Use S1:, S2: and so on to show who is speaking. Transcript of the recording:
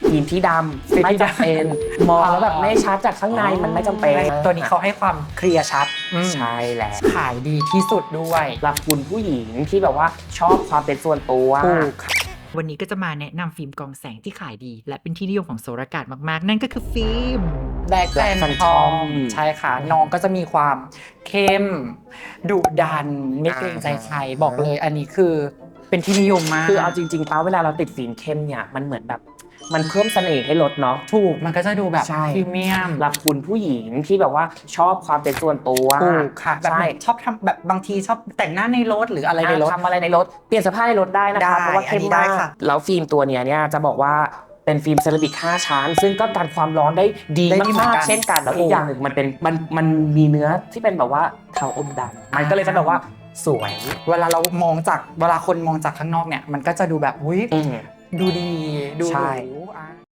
S1: ฟิล์มที่ดำไม่จำเป็นมองแล้วแบบไม่ชัดจากข้างในมันไม่จำเป็น
S2: ตัวนี้เขาให้ความเคลียร์ชัด
S1: ใช่แหละ
S2: ขายดีที่สุดด้วย
S1: สำหรับคุณผู้หญิงที่แบบว่าชอบความเป็นส่วนตัว
S2: วันนี้ก็จะมาแนะนำฟิล์มกองแสงที่ขายดีและเป็นที่นิยมของโสรกาศมากๆนั่นก็คือฟิล์มแบล็คแฟนทอมใช่ค่ะน้องก็จะมีความเข้มดุดันไม่เกรงใจใครบอกเลยอันนี้คือเป็นที่นิยมมาก
S1: คือเอาจริงๆป้าเวลาเราติดฟิล์มเข้มเนี่ยมันเหมือนแบบมันเพิ่มเสน่ห์ให้รถเนาะ
S2: ถูกมันก็จะดูแบบพรีเมียม
S1: สำหรับคุณผู้หญิงที่แบบว่าชอบความเป็นส่วนตัว
S2: ถูกค่ะแบบชอบทำแบบบางทีชอบแต่งหน้าในรถหรืออะไรในรถ
S1: ทำอะไรในรถเปลี่ยนเสื้อผ้าในรถได้นะคะเพราะว่าเข้มมากแล้วฟิล์มตัวเนี้ยจะบอกว่าเป็นฟิล์มเซรามิก5ชั้นซึ่งก็กันความร้อนได้ดีมากๆเช่นกันแล้วอีกอย่างหนึ่งมันมีเนื้อที่เป็นแบบว่าเทาอมดำมันก็เลยจะแบบว่าสวย
S2: เวลาคนมองจากข้างนอกเนี่ยมันก็จะดูแบบอุ้ยดูดีดูหรู